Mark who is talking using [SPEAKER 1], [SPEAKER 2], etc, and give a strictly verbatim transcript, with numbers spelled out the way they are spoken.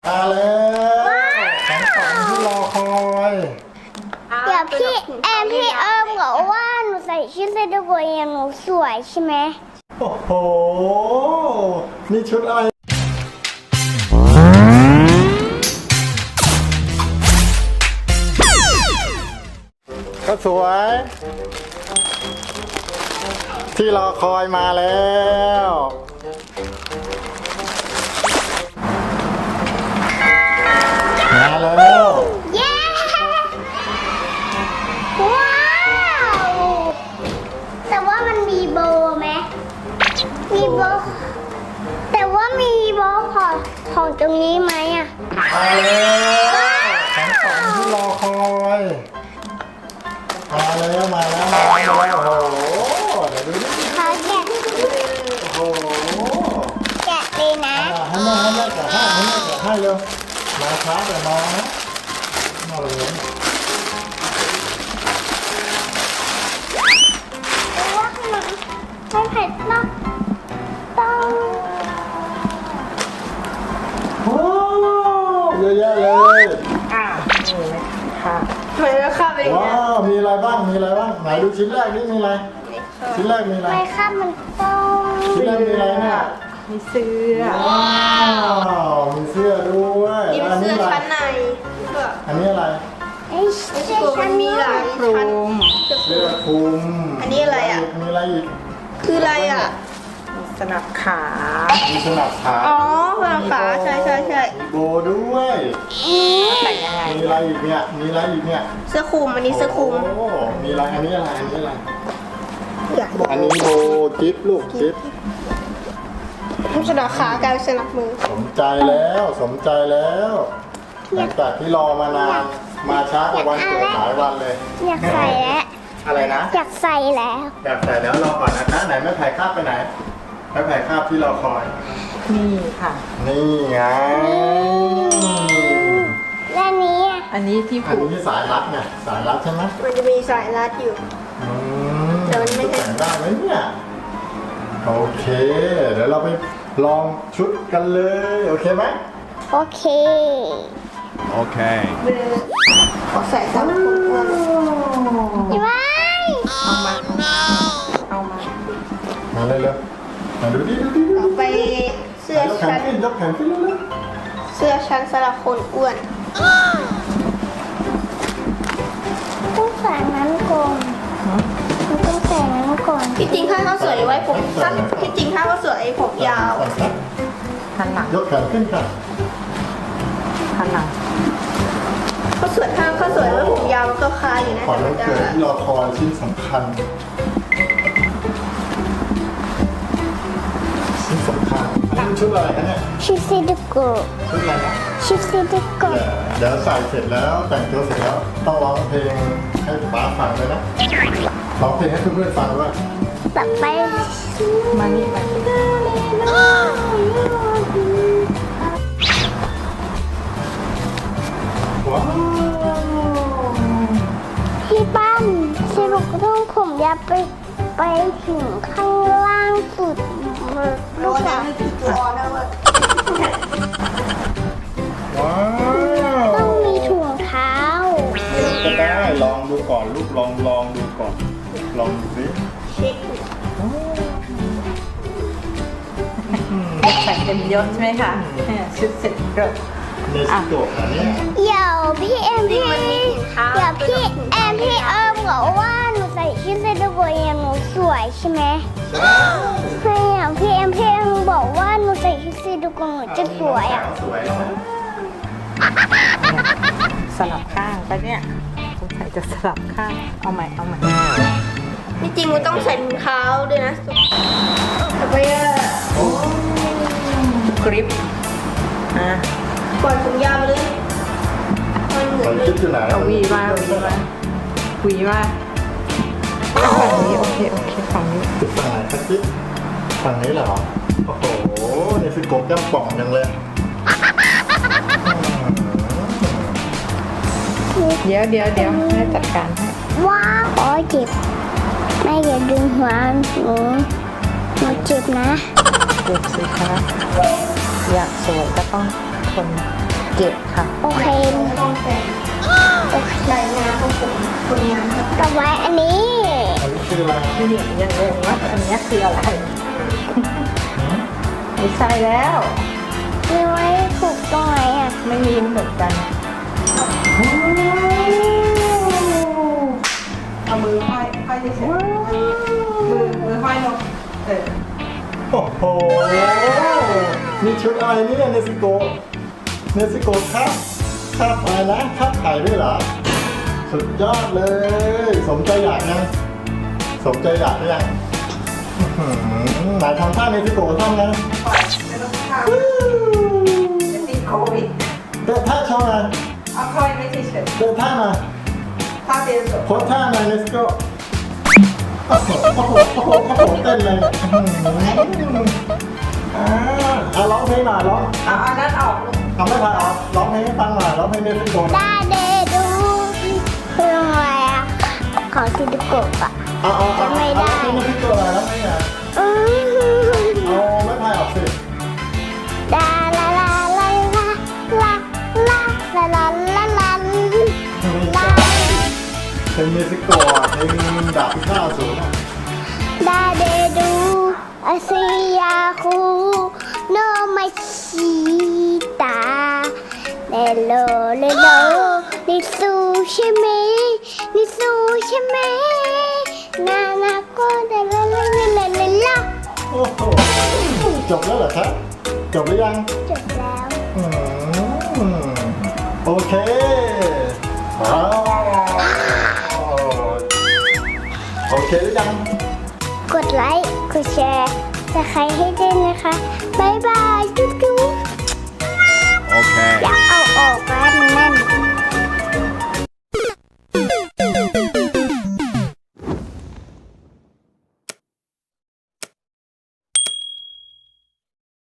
[SPEAKER 1] มาแล้วของขวัญที่รอคอย
[SPEAKER 2] เดี๋ยวพี่แอมพี่เอิมบอกว่าหนูใส่ชุดเซนต์โบเยหนูสวยใช่ไหม
[SPEAKER 1] โอ้โหนี่ชุดอะไรก็สวยที่รอคอยมาแล้วมาแล้ว
[SPEAKER 2] เย้ว้าวแต่ว่ามันมีโบไหมมีโบแต่ว่ามีโบของของตรงนี้ไหมอ่ะ
[SPEAKER 1] มาแล้วของขวัญที่รอคอยมาแล้วมาแล้วมาแล้วโอ้โหเดี๋ยวดูดิ
[SPEAKER 2] เขาแกะ
[SPEAKER 1] โอ้โห
[SPEAKER 2] แกะเลยนะ
[SPEAKER 1] ให้แม่ให้แม่แกะให้ให้แม่แกะให้เร็วมาช้าแต่น้องนะมาเลย
[SPEAKER 2] ว่าขนมไม่เผ็ดมากต้อง
[SPEAKER 1] โอ้เยอะแยะเลย
[SPEAKER 3] อ่านี่เลยค่ะทำไมเราข้ามไปอย่างเงี้ย
[SPEAKER 1] ว้าวมีอะไรบ้างมีอะไรบ้างไหนดูชิ้นแรกนี่มีอะไรชิ้นแรกมีอะไร
[SPEAKER 2] ไม่ค่ะมันต้อง
[SPEAKER 1] ชิ้นแรกมีอะไรเนี่ย
[SPEAKER 3] มีเสื้อ
[SPEAKER 1] ว้าวมีเสื้อด้วย
[SPEAKER 3] มีเสื้อชั้นใน
[SPEAKER 1] อันนี้อะไร
[SPEAKER 2] ไอ้เสื้อชั้น
[SPEAKER 3] มีหลายคลุม
[SPEAKER 1] เสื้อคลุม
[SPEAKER 3] อันนี้อะไรอ่ะ
[SPEAKER 1] มีอะไรอีก
[SPEAKER 3] คืออะไรอ่ะสนับขา
[SPEAKER 1] มีสนับขา
[SPEAKER 3] อ๋อสนับขาใช่ใช่ใช่
[SPEAKER 1] มีโบด้วย
[SPEAKER 3] แต่งยังไง
[SPEAKER 1] มีอะไรอีกเนี่ยมีอะไรอีกเนี่ย
[SPEAKER 3] เสื้อคลุมอันนี้เสื้อคลุม
[SPEAKER 1] โอ้มีอะไรอันนี้อะไรอันนี้อะไรอันนี้โบจิ๊บลูกจิ๊บ
[SPEAKER 3] สนับขากลายเป็นสนับมือ
[SPEAKER 1] สมใจแล้วสมใจแล้วหลังจากที่รอมานานมาช้ากว่าวันเกิดหลายวันเลย
[SPEAKER 2] อยากใส่แล้ว
[SPEAKER 1] อะไรนะ
[SPEAKER 2] อยากใส่แล้ว
[SPEAKER 1] อยากใส่แล้วรอก่อนนะคะไหนแม่ไผ่คาบไปไหนแม่ไผ่คาบที่รอคอย
[SPEAKER 3] นี่ค่ะ
[SPEAKER 1] นี่ไง
[SPEAKER 2] และนี้
[SPEAKER 3] อันนี้ที่ผูก
[SPEAKER 1] อันนี้สายรัดไงสายรัดใช่ไหม
[SPEAKER 3] มันจะมีสายรัดอยู่
[SPEAKER 1] แต่มันไม่แต่งได้ไหมเนี่ยโอเคเดี๋ยวเราไปลองชุดกันเลยโอเคไหม
[SPEAKER 2] โอเค
[SPEAKER 1] โอเค
[SPEAKER 3] ขอใส่สามคนก่อน
[SPEAKER 2] ไม่
[SPEAKER 3] เอามาเอามา
[SPEAKER 1] มาเลยเลยมาดูดิดูดิ
[SPEAKER 3] ต่อไปเสื้อชั้น
[SPEAKER 1] ยกแขนขึ้นเลยเลย
[SPEAKER 3] เสื้อชั้นสำหรับคนอ้วน
[SPEAKER 2] ต้องใส่นั้นก่อนต้องใส่นั้นก่อน
[SPEAKER 3] ที่จริงถ้าเขาสวยไว้ผมสั้นที่จริงถ้าเขาสวยผมยาวหันหลัง
[SPEAKER 1] ยกแขนขึ้นค่ะ
[SPEAKER 3] หันหลังเขาสวยถ้าเขาสวยไว้ผมยาวมันก็คาอยู่นะ
[SPEAKER 1] แต่มันจะที่รอคอยชิ้นสำคัญชิ้นสำคัญอันนี้ชุดอะไรคะเนี่ย
[SPEAKER 2] ชุดซิลิโก
[SPEAKER 1] ชุดอะไรนะ
[SPEAKER 2] ชุดซิลิโก
[SPEAKER 1] เดี๋ยวใส่เสร็จแล้วแต่งตัวเสร็จแล้วต้องร้องเพลงให้ป๊าฟังด้วยนะร้องเพลงให้เพื่อนๆฟังด้วย
[SPEAKER 2] ต่อไป
[SPEAKER 3] มานี่มา
[SPEAKER 1] ว้าว
[SPEAKER 2] พี่ปั้นสรุปต้องผมยาวไปไปถึงข้างล่างสุด
[SPEAKER 3] โดนนะตัวนะเว้ย
[SPEAKER 1] ว้าว
[SPEAKER 2] ต้องมีถุงเท้า
[SPEAKER 1] ก็ได้ลองดูก่อนลูกลองลองดูก่อนลองดูสิ
[SPEAKER 3] เช็คใส่เต็มยศใช่ไหมคะชุดเสร็จก็
[SPEAKER 1] ในสตูดิโออันนี้
[SPEAKER 2] เดี๋ยวพี่เอ็มพี่เดี๋ยวพี่แอมพี่เอิมบอกว่าหนูใส่ชุดเซนต์โบเยหนูสวยใช่ไหมใช่อ่ะพี่เอ็มพี่เอ็มบอกว่าหนูใส่ชุดเซนต์โบหนูจะสวยอ่ะ
[SPEAKER 3] สลับข้างไปเนี่ยสงสัยจะสลับข้างเอาใหม่เอาใหม่ที่จริงมันต้องใส่ถุงเท้าด้วยนะต่อไปอ่ะกริปอ่ะปล่อยผมยาวเลยมันเหมือนเลยเอาวีมาวีมาวีมาฝั่งนี้โอเคโอเคฝั่งนี้
[SPEAKER 1] ติดฝั่งไหนครับจิ๊บฝั่งนี้เหรอโอ้โหนี่คือกบย่ำป่องยังเลย
[SPEAKER 3] เดี๋ยวเดี๋ยวเดี๋ยวให้จัดการให้
[SPEAKER 2] ว้าวอ๋อเจ็บแม่อย่าดึงหัวหนูหนูเจ็บนะ
[SPEAKER 3] เจ็บสิคะอยากสวยก็ต้องทนเก็บค่ะ
[SPEAKER 2] โอเค
[SPEAKER 3] ไม่ต้องแต่ง
[SPEAKER 2] โอเค
[SPEAKER 3] รายงานของผมคนงานครับ
[SPEAKER 2] ต่อไปอันนี้
[SPEAKER 1] อันนี้คืออะไร
[SPEAKER 3] พี่เนี่ยยังงงว่าอันเนี้ยคืออะไรไม่ใช่แล้ว
[SPEAKER 2] มีไว้ผูกตรงไหนอ่ะ
[SPEAKER 3] ไม่มีเหมือนกันเอามือห้อยห้อยเฉยๆมือมือห้อยลงเออ
[SPEAKER 1] โอ้โหมีชุดอะไรเนี่ยเนสโกเนสโกครับครับอะไรนะครับไข่ด้วยเหรอสุดยอดเลย สมใจอยากนะสมใจอยากหรือยังอื้อหือไหนทำท่าเนสโกทำนะ
[SPEAKER 3] ปล่อยไม่ต้องข้าวจะติดโควิด
[SPEAKER 1] เดินท่าโชว์หน่อย
[SPEAKER 3] เอาค่อยไม่เฉย
[SPEAKER 1] เดินท่ามา
[SPEAKER 3] ๆถ้าเตียนสด
[SPEAKER 1] โพสท่าหน่อย let's go โอ้โหโอ้โหโอ้โหโอ้โหเต้นเลยอื้อหืออ่าอ่ะร้องเพลงหน่อยร้อง
[SPEAKER 3] เอาอันนั้นออกลูก
[SPEAKER 1] ทำไม่พายออกร้องเพลงให้ฟังหน่อยร้องเพลงเนสโกหน่อย
[SPEAKER 2] ดาเดดูคืออะไรอ่ะของซิลิโกะอ่ะ
[SPEAKER 1] เอาเอาเอา
[SPEAKER 2] ไม่ได้
[SPEAKER 1] เอาเพลงเนสโกหน่อยร้องเพลงหน่อย
[SPEAKER 2] อืม
[SPEAKER 1] เอาไม่พายออกสิ
[SPEAKER 2] ดาลาลาลาลาลาลาลาลาลาลา
[SPEAKER 1] ไม่ใช่เพลงเนสโกอ่ะเพลงดาบพิฆาตอสูรอ่ะ
[SPEAKER 2] ดาเดดูอาซิยาคูโนมาชิตาเลโลเลโลนิซูใช่ไหมนิซูใช่ไหมนานาโกเดลลาลาลาลาลา
[SPEAKER 1] โอ้โหจบแล้วเหรอครับจบหรือยัง
[SPEAKER 2] จบแล้ว
[SPEAKER 1] อืมโอเคว้าวโอเคหรือยัง
[SPEAKER 2] กดไลค์กดแชร์จะใครให้ด้วยนะคะบ๊ายบายจุ๊บจุ๊บ
[SPEAKER 4] Okay.
[SPEAKER 2] อย่า